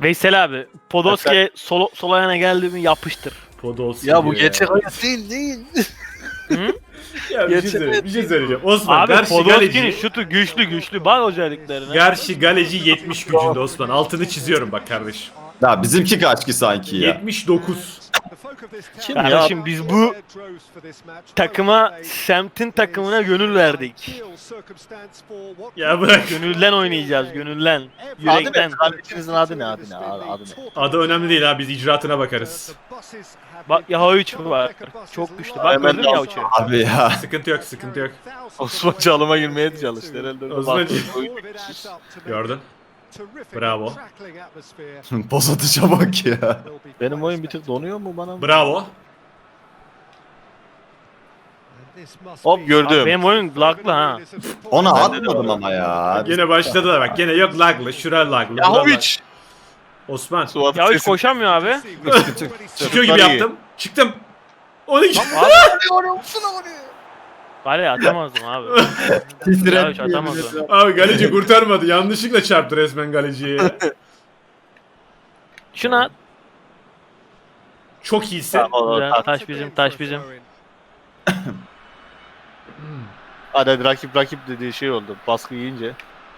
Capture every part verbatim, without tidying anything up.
Veysel abi, Podolski sol, sol ayağına geldi mi yapıştır. Podolski Ya bu diyor gerçek hayat değil değil. Hı? Ya bir şey, Gerçek söyleyeyim, bir şey söyleyeceğim. Osman, Abi Garşi Podolski'nin Galeci, şutu güçlü güçlü. Bak özelliklerine. Garşi Galeci yetmiş gücünde Osman. Altını çiziyorum bak kardeşim. Ya bizimki kaç ki sanki ya? yetmiş dokuz. Kim ya? Kardeşim biz bu takıma, semtin takımına gönül verdik. Ya bırak. Gönülden oynayacağız, gönülden. Adı ne? Yürekten. Kardeşinizin adı ne? Adı ne? Adı, adı ne? Adı önemli değil abi, biz icraatına bakarız. Bak Yahoviç var. Çok güçlü. Bak Hemen gördün de mü al. Yahoviç'i? Abi ya. Sıkıntı yok, sıkıntı yok. Osman çalıma girmeye çalıştı herhalde. Osman- Bak, Gördün. Bravo. Poz atışa bak ya. benim oyun bir tık donuyor mu bana? Bravo. Hop Abi gördüm. benim oyun laglı ha. Ona atmadım ama ya. Gene başladılar bak, gene yok laglı, şura laglı. bura Yahovic. lag- Osman. Suat Yahoviç sesi- koşamıyor abi. Çıkıyor gibi Çocuklar iyi. yaptım. Çıktım. on iki. Kaleye atamazdım abi. Yahoviç atamazdı. Abi Galeci kurtarmadı. Yanlışlıkla çarptı resmen Galeci'ye. Şuna Çok iyisin. Tamam, o- güzel, o- taş bizim, taş bizim. Hadi hadi rakip rakip dediği şey oldu. Baskı yiyince.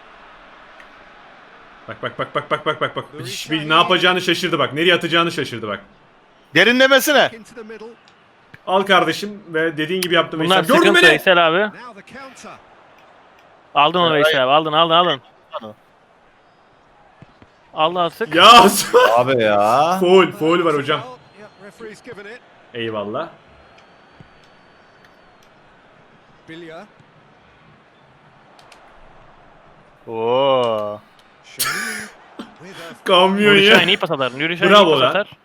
Bak bak bak bak bak bak bak bak. Hiç bir ne yapacağını şaşırdı bak. Nereye atacağını şaşırdı bak. Derinlemesine. Al kardeşim ve dediğin gibi yaptım. Bunlar Veysel. Gördün sıkıntı beni. Veysel abi. Aldın onu Veysel abi, aldın aldın aldın. Allah sık. Ya Abi ya. foul, foul var hocam. Eyvallah. Oo. Kamyon Nuri ya. Şahin iyi pas atar. Nuri Şahin Bravo iyi pas lan. atar.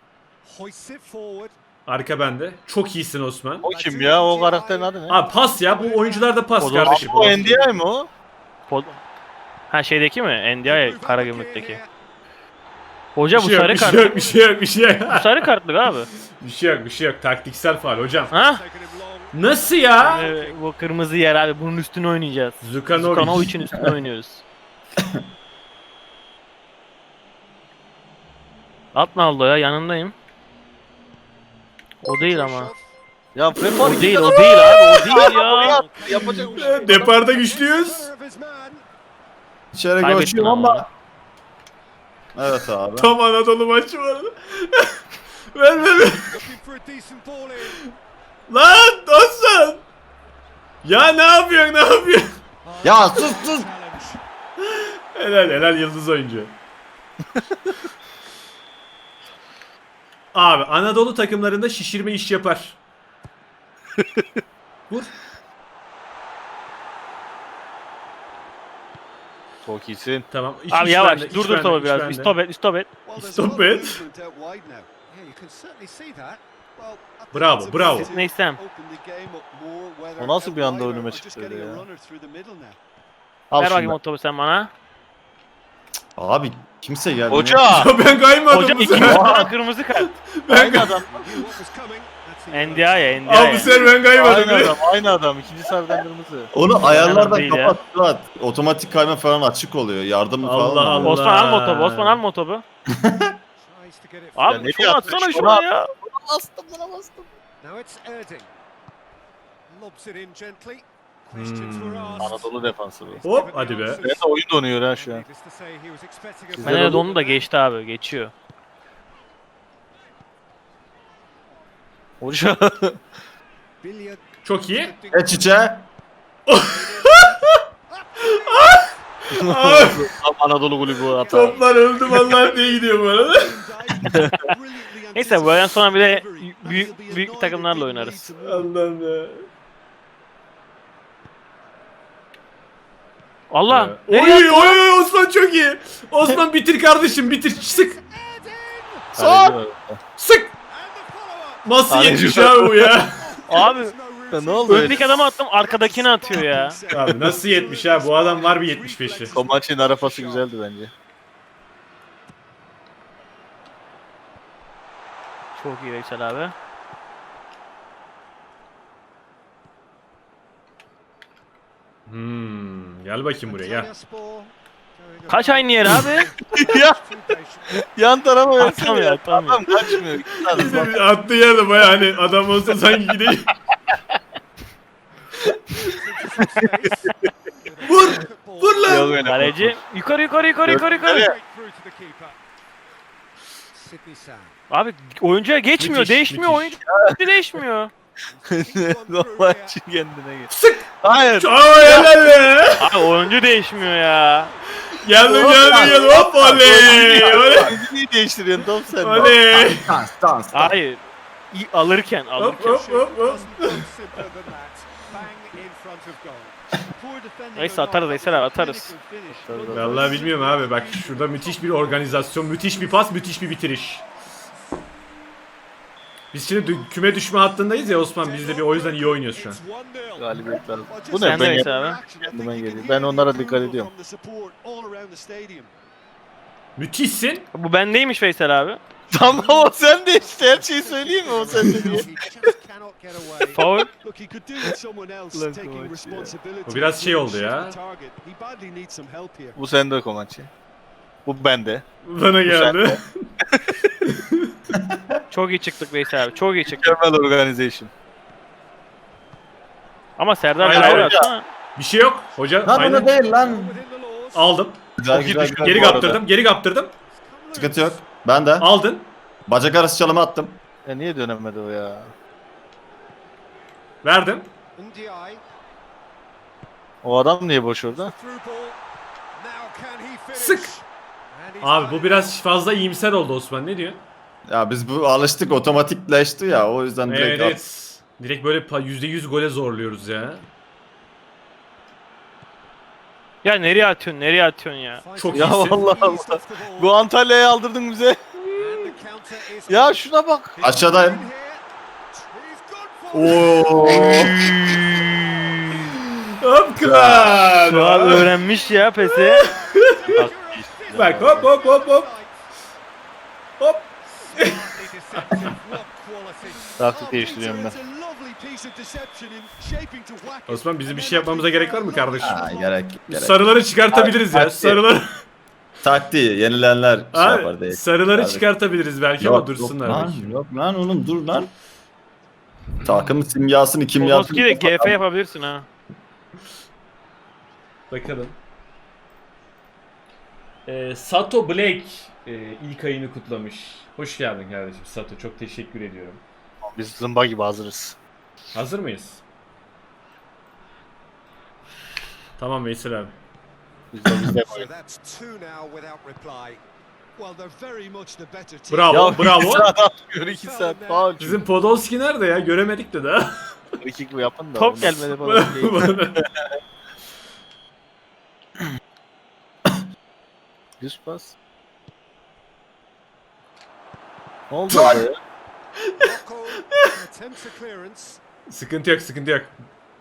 Arka bende. Çok iyisin Osman. O kim ya? O karakterin adı ne? Abi pas ya. Bu oyuncularda pas O da- kardeşim. O N D I mi o? Pod... Ha şeydeki mi? N D I Karagümrük'teki. Hoca Bir bu şey yok, sarı bir şey kart. yok, bir şey yok, bir şey yok. Bu sarı kartlık abi. Bir şey yok, bir şey yok. Taktiksel faul hocam. Ha? Nasıl ya? Ee, bu kırmızı yer abi. Bunun üstüne oynayacağız. Zukanovic. Zukanovic'in üstüne oynuyoruz. At Naldo ya, yanındayım. O değil ama. Ya Frepo O değil, o değil abi. O değil ya. Yapacak bir şey yok. Deparda güçlüyüz. İçeri Kaybettin koşuyorum ama. ama. Evet abi. Tam Anadolu maçı var. ver ver ver. Lan dostum. Ya ne yapıyorsun, ne yapıyorsun? Ya sus sus. Helal helal yıldız oyuncu. Abi Anadolu takımlarında şişirme iş yapar. Vur. Çok iyisin. Tamam. iç- Abi iç yavaş. bende, iç Dur dur bende, topu iç biraz. bende. Stop et, stop et. Stop it. Bravo, bravo. Neysem. O nasıl bir anda önüme çıktı öyle ya? Al Ver bakayım şunu. o topu sen bana. Abi kimse geldi. Hoca! Ya ben kaymadım Hoca bu ikinci sefer. tane kırmızı kart. Ben Aynı kay- adam. N D I ya, N D I Abi ya. bu sefer ben kaymadım. Aynı adam. Aynı adam. İkinci sarıdan kırmızı. Onu ayarlardan değil ya. kapat Suat. Otomatik kayma falan açık oluyor. Yardım falan. Allah oluyor. Allah. Osman al motobu, Osman al motobu. Ya Abi ne şunu yaptın? atsana Şunu şuna at. ya. Bastım buna bastım. Hmm. Anadolu defansı bu. Hop hadi be. Ben de oyun donuyor ha şu an. Ben de onu da geçti abi, geçiyor. Hoca. Çok iyi. Geç içe. Tam Anadolu kulübü hata. Toplar öldü vallahi diye gidiyor bu arada. Neyse bu aydan sonra bir de büyük büyük takımlarla oynarız. Allah'ım ya. Allah! Oy oy oy Osman çok iyi. Osman bitir kardeşim, bitir. Sık. Kaleci var. Sık. Nasıl Kaleci yetmiş var. abi bu ya? Abi Ya ne oldu öyle? öndeki adamı attım, arkadakini atıyor ya. Abi nasıl yetmiş ha? Bu adam var bir yetmiş beşi. O maçın arafası güzeldi bence. Çok iyi Veysel abi. Hmm, gel bakayım buraya gel. Kaç aynı yer abi? Ya Yan tarafa versene Atamıyor, ya. atamıyor. Adam kaçmıyor. Git lan, bak. Attığı yerde baya hani adam olsa sanki gidiyor. Vur! Vur lan! Yok öyle. Kaleci yukarı yukarı yukarı yukarı yukarı. Yukarı. Abi oyuncuya geçmiyor, Müthiş, değişmiyor müthiş. oyuncu değişmiyor. Normal için kendine gel. Sık. Hayır. Aa helal be! Abi oyuncu değişmiyor ya. Geldim geldim geldim hop oley! Oley! Niye değiştiriyorsun top sen? Oley! Dans dans. Hayır. İyi, alırken Hop alırken. hop hop hop. Neyse atarız Veysel abi atarız. Vallahi bilmiyorum abi bak şurada müthiş bir organizasyon, müthiş bir pas, müthiş bir bitiriş. Biz şimdi dü- küme düşme hattındayız ya Osman, biz de bir o yüzden iyi oynuyoruz şu an. Galibiyet lazım. Bu Sen ne? de Ben Veysel abi. kendime geliyor. Ben onlara dikkat ediyorum. Müthişsin. Bu bendeymiş Veysel abi. Tamam o sen de işte her şeyi söyleyeyim mi o sen de diye. Faul. Bu biraz şey oldu ya. Bu sende Komançı. Bu bende. Bana geldi. Çok iyi çıktık Veysel abi. Çok iyi çıktık. Mükemmel organization. Ama Serdar Hayır, Hayır, hayır. atsana. Bir şey yok. Hoca Lan aynen bunu değil lan. aldım. Güzel Çok iyi güzel düştü. güzel. Geri bu arada. kaptırdım, geri kaptırdım. Sıkıntı yok. Ben de. Aldın. Bacak arası çalımı attım. Ya niye dönemedi o ya? Verdim. O adam niye boş orada? Sık. Abi bu biraz fazla iyimser oldu Osman, ne diyor? Ya biz bu alıştık, otomatikleşti ya, o yüzden direkt Evet, at- evet. Direkt böyle pa- yüzde yüz gole zorluyoruz ya. Ya nereye atıyorsun? Nereye atıyorsun ya? Çok Ya iyisin. vallahi Allah. Bu Antalya'yı aldırdın bize. Ya şuna bak. Aşağıdayım. Oo. Hop kral. Şu an öğrenmiş ya pesi. Bak hop hop hop hop. Hop. Taktik değiştiriyorum ben. Osman bizim bir şey yapmamıza gerek var mı kardeşim? Ha, gerek gerek. Sarıları çıkartabiliriz ya. Hadi. Sarıları. Taktiği yenilenler şey yapar Abi, değil. sarıları Abi. çıkartabiliriz belki Yok, ama dursunlar. Yok lan, bakayım. yok lan oğlum dur lan. Takım simyasını kimyasını. Podolski de G F yapabilirsin ha. Bakalım. Ee, Sato Black e, ilk ayını kutlamış. Hoş geldin kardeşim Sato. Çok teşekkür ediyorum. Biz zımba gibi hazırız. Hazır mıyız? Tamam Veysel abi. Biz de biz de böyle. Bravo, Ya bravo. iki saat atmıyor iki saat. Faul. Bizim Podolski nerede ya? Göremedik de daha. İki gibi yapın da. Top onu- gelmedi Podolski'ye. Düz pas. Ne oldu orada ya? Sıkıntı yok, sıkıntı yok.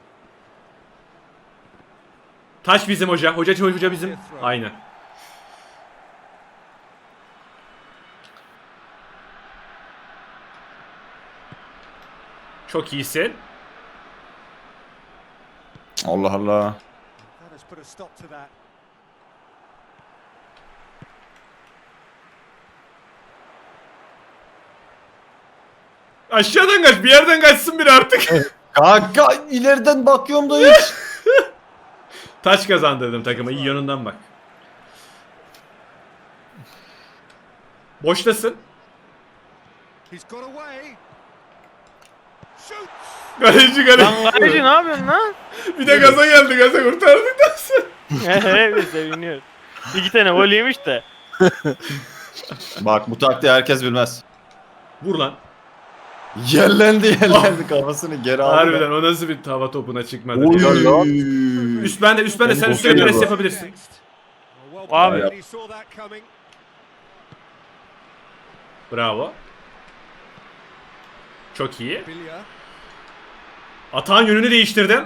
Taş bizim hoca. Hoca hoca bizim. Aynen. Çok iyisin. Allah Allah. Aşağıdan kaç, bir yerden kaçsın biri artık. Kanka ileriden bakıyorum da hiç. Taş kazandırdım takıma. İyi yönünden bak. Boştasın. Kaleci kaleci. Lan kaleci ne yapıyorsun lan? Bir de gaza geldi, gaza kurtardıktan sonra. Evet seviniyor. İki tane gol yemiş de. Bak bu taktiği herkes bilmez. Vur lan. Yerlendi yerlendi kafasını geri aldı. Harbiden o nasıl bir tava topuna çıkmadı. Oy. Üst bende, üst bende. Sen Benim üstüne boşuna pres bu. yapabilirsin. Abi. Bravo. Çok iyi. Atağın yönünü değiştirdim.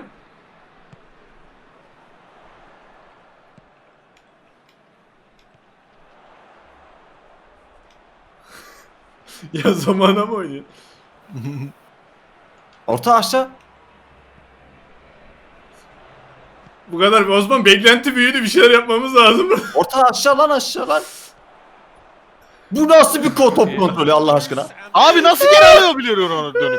Ya zamana mı oynuyor? Orta aşağı. Bu kadar Osman, beklenti büyüdü, bir şeyler yapmamız lazım. Orta aşağı lan aşağı lan. Bu nasıl bir ko- top kontrolü Allah aşkına? Abi nasıl geri alıyor biliyor onu dönüp.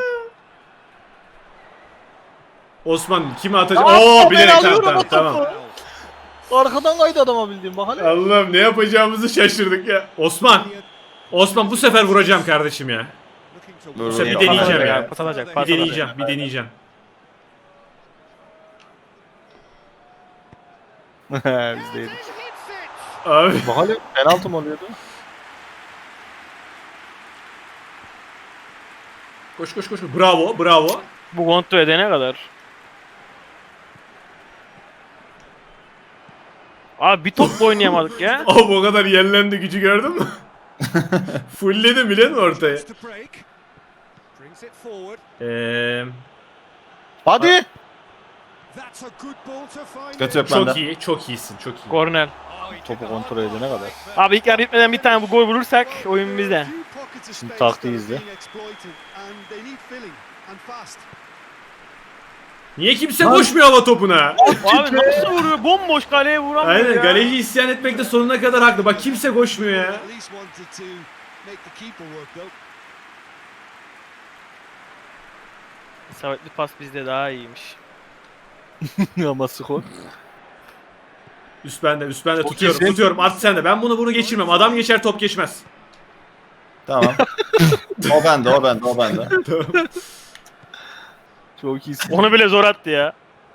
Osman kime atacak? Aa, Oo ben bilerek alıyorum tamam o tamam. topu. Arkadan kaydı adama bildiğim bak hele. Allah'ım ne yapacağımızı şaşırdık ya. Osman. Osman bu sefer vuracağım kardeşim ya. Böyle sefer bir yapamaz. deneyeceğim ya. Pas alacak, Bir pas deneyeceğim, alacak. bir deneyeceğim. Biz değiliz. Abi Bak hele penaltı mı oluyordu? koş koş koş. Bravo, bravo. Bu kontrol edene kadar. Abi bir top da oynayamadık ya. Abi o kadar yellendi gücü gördün mü? Fullledim biliyor musun ortaya? Eee Hadi. Kötü yok bende. çok iyi, çok iyisin, çok iyi. Kornel. Topu kontrol edene kadar. Abi ilk yarı bitmeden bir tane bu gol bulursak oyun bizde. Şimdi taktiği izle. Niye kimse koşmuyor hava topuna? Abi nasıl vuruyor? Bomboş kaleye vuramıyor Aynen ya. galeci isyan etmekte sonuna kadar haklı. Bak kimse koşmuyor ya. İsabetli pas bizde daha iyiymiş. Ama skor. Üst bende, üst bende Çok tutuyorum, iyisin. tutuyorum. Art sende. Ben bunu bunu geçirmem. Adam geçer, top geçmez. Tamam. O bende, o bende, o bende. Çok iyisin. Onu bile zor attı ya.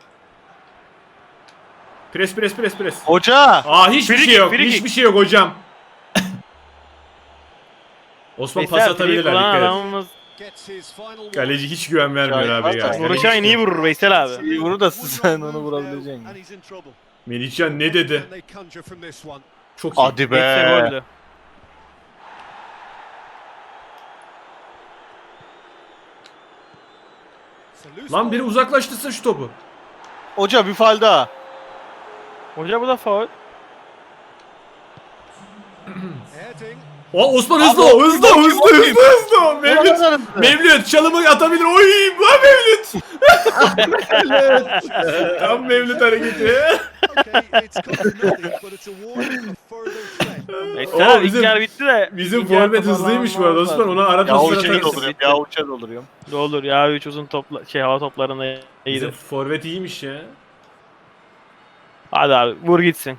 Pres, pres, pres, pres. Hoca. Aa hiçbir Free şey kick, yok, free kick. hiçbir şey yok hocam. Osman pas Veysel, atabilirler, free kullanan dikkat et. adamımız Galeci hiç güven vermiyor Ya, abi ya. zaten Galeci vuruşan iyi vurur Veysel abi. İyi vurur da sen onu vurabileceksin. Melihcan ne dedi? Çok iyi. Hadi Veysel be. goldü. Lan biri uzaklaştırsın şu topu. Hoca bir faul daha. Hoca bu da faul. O Osman hızlı o, hızlı o, hızlı hızlı hızlı o. Mevlüt, Mevlüt çalımı atabilir. Oy, bu Mevlüt. Tam Mevlüt hareketi. Veysel abi bizim- ilk yarı bitti de. Bizim ikinci yarı forvet hızlıymış bu arada Osman. Ona ara Ya paslar uçer atarsın. dolduruyorum. Ya uçer dolduruyorum. Ne olur ya üç uzun topla şey hava toplarında Bizim iyiydi. forvet iyiymiş ya. Hadi abi vur gitsin.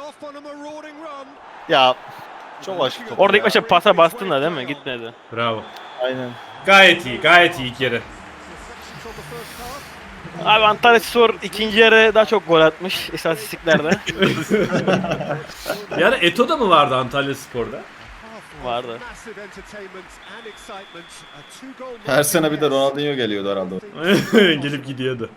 Ya çok aşık top. Orada ilk ya. başta pasa bastın da değil mi? Gitmedi. Bravo. Aynen. Gayet iyi, gayet iyi ilk yarı. Abi Antalya Spor ikinci yarı daha çok gol atmış istatistiklerde. Yani Eto'da mı vardı Antalya Spor'da? Vardı. Her sene bir de Ronaldinho geliyordu herhalde. Gelip gidiyordu.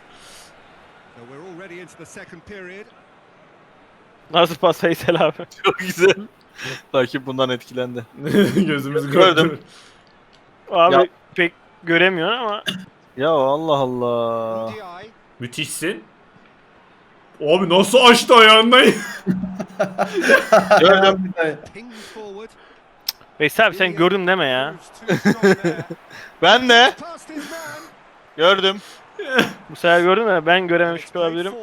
Nasıl pas Veysel abi? Çok güzel. Rakip bundan etkilendi. Gözümüz Gördüm. gördü. Abi Ya. pek göremiyorsun ama. Ya Allah Allah. Müthişsin. Abi nasıl açtı ayağından? Gördüm. Veysel abi sen gördüm deme ya. Ben de gördüm. Bu sefer gördün mü? Ben görememiş olabilirim.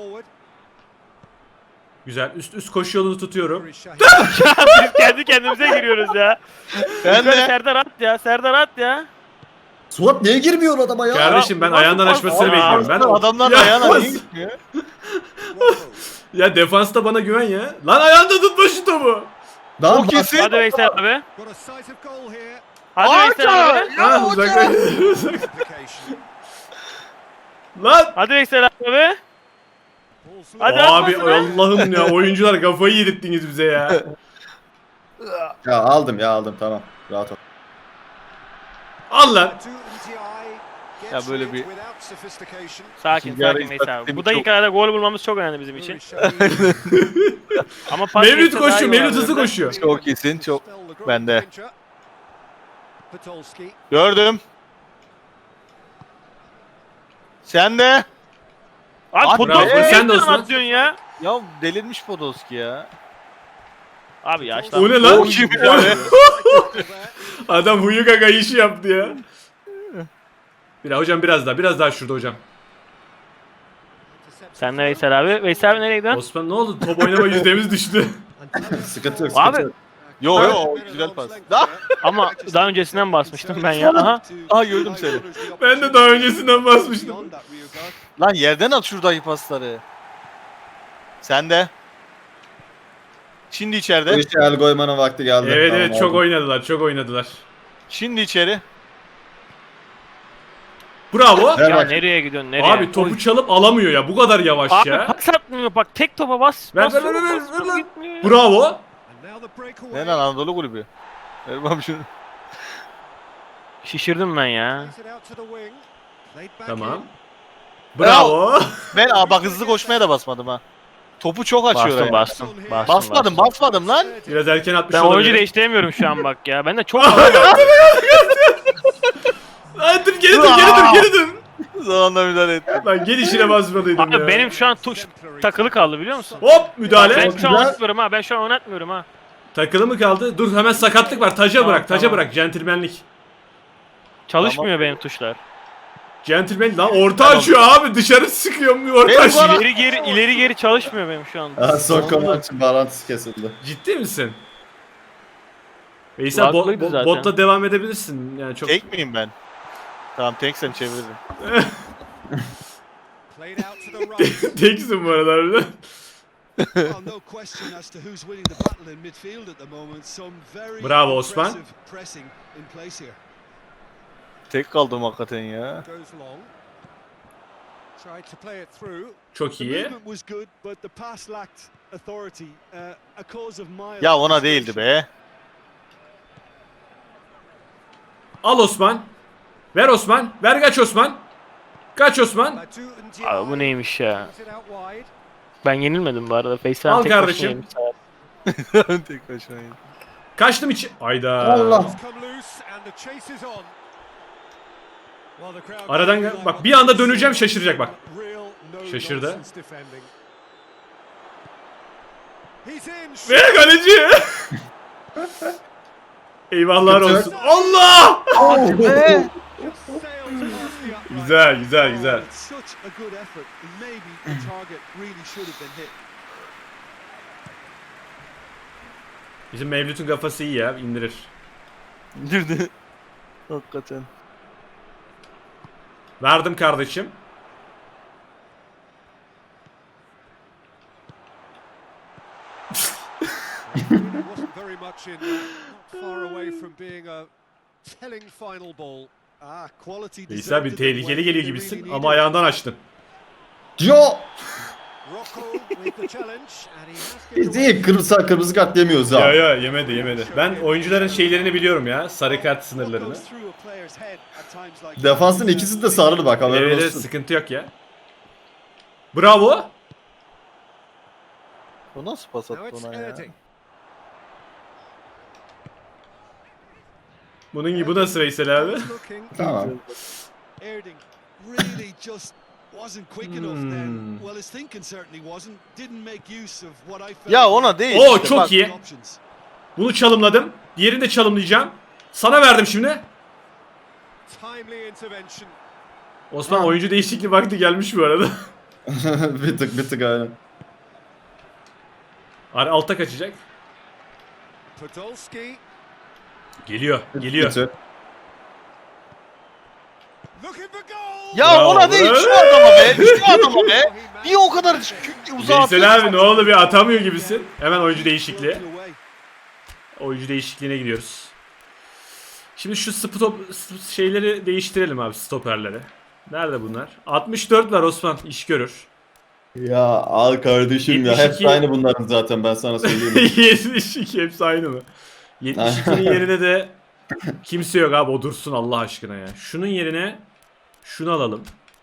Güzel. Üst üst koşu yolunu tutuyorum. Biz kendi kendimize giriyoruz ya. Ben Yukarı de. Serdar at ya. Serdar at ya. Suat niye girmiyor adama ya? Kardeşim ben nasıl ayağından pas- açmasını Aa, bekliyorum. Ben Adamlar Ya, ayağına pas- niye gitmiyor? Ya defansta bana güven ya. Lan ayağında tutma şu topu. Daha O kesin. Hadi Veysel abi. Hadi Arka! Veysel abi. Ya Ha, hoca! uzaklaş. Lan. Hadi Veysel abi. Hadi Abi atmasın ha. Allah'ım ya oyuncular kafayı yedirttiniz bize ya. Ya aldım ya aldım tamam. Rahat ol. Al lan. Ya böyle bir- Sakin İkinci yarı sakin Veysel abi. istatistik Bu çok- dakikalarda gol bulmamız çok önemli bizim için. Ama pas Mevlüt geçse daha iyi koşuyor. Mevlüt olabilir. hızlı koşuyor. Çok iyisin, çok. Bende. Gördüm. Sen de. Abi Bravo, Podolski sen sen de de Osman. atıyorsun ya. Ya delirmiş Podolski ya. Abi yaşlan. O ne lan? O kim O- ya? Adam huyu gaga işi yaptı ya. Bir hocam biraz daha. Biraz daha şurada hocam. Sen de Veysel abi. Veysel abi nereye gidiyorsun? Osman ne oldu? Top oynama yüzdemiz düştü. Sıkıntı yok sıkıntı Abi yok. Yo yo güzel pas. Da. Ama daha öncesinden basmıştım ben ya. Aha. Aha gördüm seni. Ben de daha öncesinden basmıştım. Lan yerden at şuradaki pasları. Sen de. Şimdi Bu içeride. işe el koymanın vakti geldi. Evet Tamam, evet çok aldım. oynadılar çok oynadılar. Şimdi içeri. Bravo. Ver Ya bak. nereye gidiyorsun? Nereye? Abi topu çalıp alamıyor ya bu kadar yavaş Abi ya. pas atmıyor bak tek topa bas. Ver, bas, ver, ver, ver, bas, ver bas, lan. gitmiyor ya. Bravo. Ne lan Anadolu kulübü. Ver bana şunu. Şişirdim ben ya. Tamam. Bravo. Ben aa, bak hızlı koşmaya da basmadım ha. Topu çok açıyor Bastım ya. bastım. Bastım. Basmadım bastım. basmadım lan. Biraz erken atmış Ben olabilir. oyuncu değiştiremiyorum şu an bak ya. Ben de çok Ay, dur geri dur geri dur geri dur. Zamanla müdahale ettim. Lan gelişine basmalıydım ya. Abi benim şu an tuş takılı kaldı biliyor musun? Hop müdahale. Ben şu an Güzel. oynatmıyorum ha. Ben şu an oynatmıyorum ha. Takılı mı kaldı? Dur hemen sakatlık var. Taca Tamam, bırak taca tamam. bırak. Centilmenlik. Çalışmıyor benim tuşlar. Centilmen lan orta açıyor abi. Dışarı sıkıyor bir orta Benim açıyor. bana- İleri geri ileri geri çalışmıyor benim şu an. Aha, son komançın bağlantısı kesildi. Ciddi misin? Veysel bo- Kulaklıydı bo- zaten. botla devam edebilirsin. Yani çok Tek miyim ben? Tamam teksen çeviririm. teksin bu arada harbiden. Bravo Osman. Tek kaldım hakikaten ya. Çok iyi. Ya ona değildi be. Al Osman. Ver Osman. Ver kaç Osman. Kaç Osman. Abi bu neymiş ya? Ben yenilmedim bu arada. Face'den Al tek başına kardeşim. yemiş abi. Tek başına yedim. Kaçtım içi. Ayda. Allah. Aradan gel- bak bir anda döneceğim şaşıracak bak. Şaşırdı. Ve kaleci. Eyvahlar Kötü. olsun. Allah! Be! Güzel güzel güzel. Bizim Mevlüt'ün kafası iyi ya indirir. Girdi. Hakikaten. Verdim kardeşim. İsa bir tehlikeli geliyor gibisin ama ayağından açtın. Yo! Biz iyi kırmızı kırmızı kart yemiyoruz Ya ha. ya yemedi yemedi. Ben oyuncuların şeylerini biliyorum ya. Sarı kart sınırlarını. Defansın ikisi de sarılı bak haberin Evet evet, olsun. sıkıntı yok ya. Bravo. O nasıl pas attı ona ya? Bunun gibi bu nasıl Veysel abi? Tamam. Hmm. Ya ona değil. Oo, işte, çok bak. iyi. Bunu çalımladım. Diğerini de çalımlayacağım. Sana verdim şimdi. Osman oyuncu değişikliği vakti gelmiş bu arada. bir tık bir tık aynen. Ar- Alta kaçacak. Geliyor, geliyor. Kötü. Ya Bravo. ona değil şu adama be. Şu adama be. Niye o kadar uzağa Veysel abi ne atıyorsun? oldu bir atamıyor gibisin. Hemen oyuncu değişikliği. Oyuncu değişikliğine gidiyoruz. Şimdi şu stop şeyleri değiştirelim abi stoperleri. Nerede bunlar? altmış dört var Osman iş görür. Ya al kardeşim ya. yetmiş iki. Hepsi aynı bunların zaten ben sana söyleyeyim. yetmiş iki hepsi aynı mı? yetmiş ikinin yerine de kimse yok abi o dursun Allah aşkına ya. Şunun yerine şunu alalım.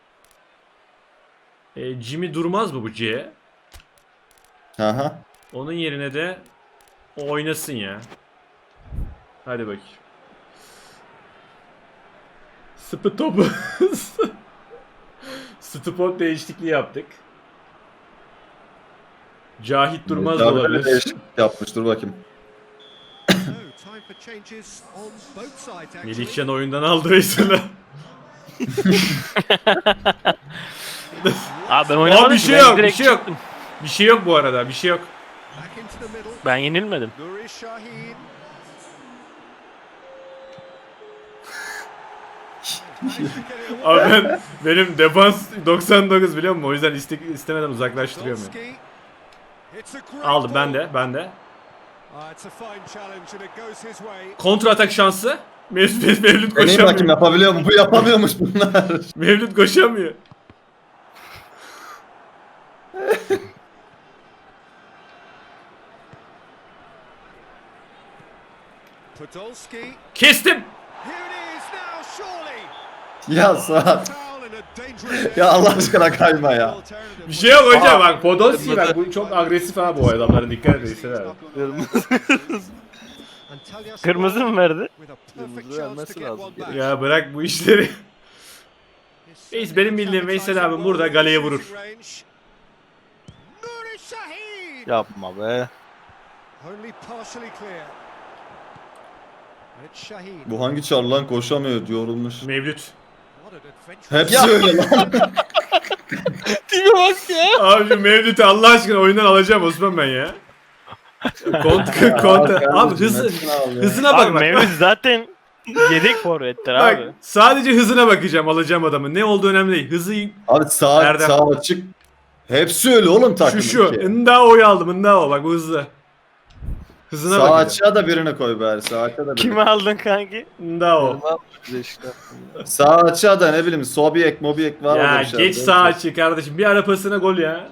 E, Jimmy durmaz mı bu C? Aha. Onun yerine de o oynasın ya. Hadi bakayım. Spot Spot değişikliği yaptık. Cahit Durmaz da Abi böyle olabilir. değişiklik yapmış dur bakayım. Melihcan oyundan aldı Veysel'e. Abi ben oynamadım Aa, bir ki, şey ben yok, bir direkt şey yok. çıktım. Bir şey yok bu arada, bir şey yok. Ben yenilmedim. Nuri Şahin. Abi ben, benim defans doksan dokuz biliyor musun? O yüzden iste, istemeden uzaklaştırıyorum yani. Aldım ben de ben de. Kontra atak şansı. Mevlüt, Mevlüt Deneyim bakayım koşamıyor. yapabiliyor mu? Bu yapamıyormuş bunlar. Mevlüt koşamıyor. Podolski. Kestim. Here it is now, surely. Ya Suat. Foul in a dangerous Ya Allah aşkına kayma ya. Bir şey yok hocam bak Podolski bak bu çok agresif abi bu adamlara dikkat edin işte abi. Kırmızı mı verdi? Kırmızı vermesi lazım. Ya bırak bu işleri. Reis benim bildiğim Veysel abi burada galeye vurur. Yapma be. Only partially clear. It's Shaheen. Bu hangi çar lan koşamıyor yorulmuş. Mevlüt. What an adventure. Hepsi öyle lan. Tipe bak ya. Abi şu Mevlüt'ü Allah aşkına oyundan alacağım Osman ben ya. Kont kont abi hızı hızına bak Abi bak. Mevlüt zaten yedek forvettir Bak abi. sadece hızına bakacağım alacağım adamı. Ne olduğu önemli değil. Hızı Abi sağ, Erdem. sağ açık. Hepsi öyle oğlum takım. şu şu. Ndao'yu aldım. Ndao bak bu hızlı. Hızına Sağ bakacağım. açığa da birini koy bari. Sağ açığa da birini. Kimi aldın kanki? Ndao. Bize işte. Sağ açığa da ne bileyim Sobiek, Mobiek var Ya orada bir şey. geç sağ açı kardeşim. Bir ara pasına gol ya.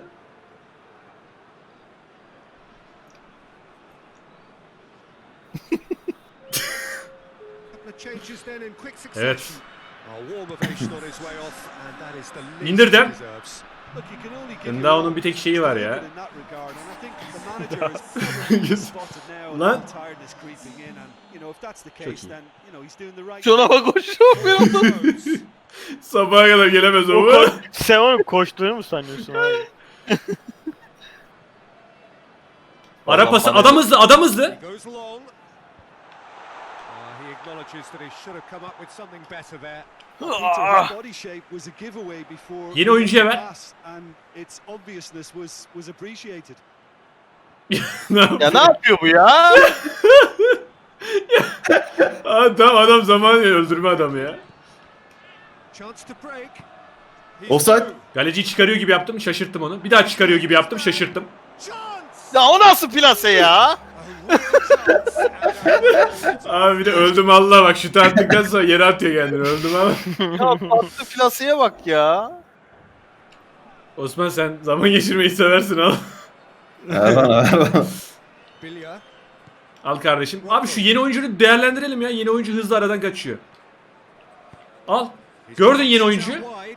Couple of changes then in quick succession. Evet. A warm ovation on his way off, and that is the least İndirdim. he deserves. Look, you can only give Ndao'nun your bir tek şeyi var ya. in that regard, and I think the manager has probably spotted now Lan. that tiredness creeping in, and you know if that's the Çok case, iyi. then you know he's doing the right Şuna bak koşuyor bir anda. thing. Sabaha kadar gelemez o. O ko- Sen onu koştuğunu mu sanıyorsun abi? Ara pası adam hızlı adam hızlı. He goes long. Uh, he acknowledges that he should have come up with something better there. Ah. Body shape was a giveaway before Yeni oyuncuya ver. pass, and its obviousness was was appreciated. Ne Ya yapıyor? ne yapıyor bu ya? Aa, tamam adam zaman öldürme adamı ya. Chance to break. He's Offside. through. Kaleciyi çıkarıyor gibi yaptım şaşırttım onu. Bir daha çıkarıyor gibi yaptım şaşırttım. Chance. Ya o nasıl plase ya? A real chance. Abi bir de öldüm Allah bak şutu attıktan sonra yere atıyor kendini öldüm ama. Ya patlı plaseye bak ya. Osman sen zaman geçirmeyi seversin al. Erman Erman. Bilya. Al kardeşim. Abi şu yeni oyuncuyu değerlendirelim ya. Yeni oyuncu hızlı aradan kaçıyor. Al. Gördün yeni oyuncuyu.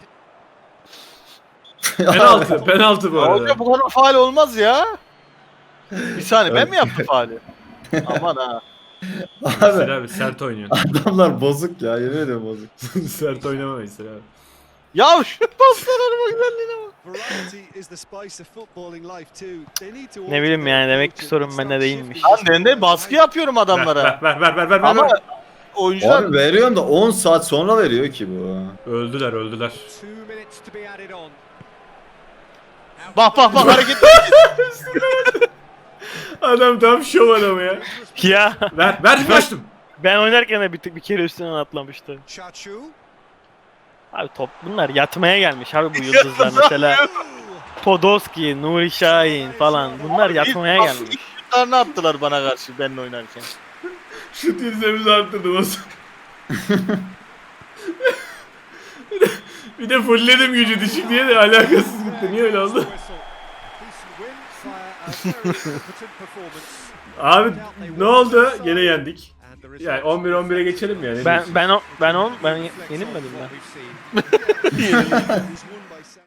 Penaltı. Penaltı bu Ya arada. hoca bu kadar faal olmaz ya. Bir saniye ben mi yaptım faali? Aman ha. Veysel Abi abi sert oynuyorsun. adamlar bozuk ya yemin ediyorum bozuk. Sert oynama Veysel abi. Ya şu paslara bak güzelliğine bak. Variety is the spice of footballing life too. They need to Ne bileyim yani, demek ki alter sorun and bende start değilmiş. shifting Lan ben de baskı yapıyorum Ver adamlara. ver ver ver ver ver. Ama ver. oyuncular Abi veriyorum da on saat sonra veriyor ki bu. Öldüler öldüler. Two minutes to be added on. bak bak bak hareket. Adam tam şov adamı ya. Ya Ver ver kaçtım. ben oynarken de bir, bir kere üstünden atlamıştı. Chachu. Abi top bunlar yatmaya gelmiş abi bu yıldızlar mesela. Podolski, Nuri Şahin falan bunlar yatmaya gelmiş. Ne attılar bana karşı benimle oynarken. Şu tirzemizi arttırdım Osman. bir, de, bir de fullledim gücü düşük diye de alakasız gitti. Niye öyle oldu? Abi ne oldu? Gene yendik. Yani on bir on bire geçelim yani. Ben ben o ben on ben yenilmedim ben.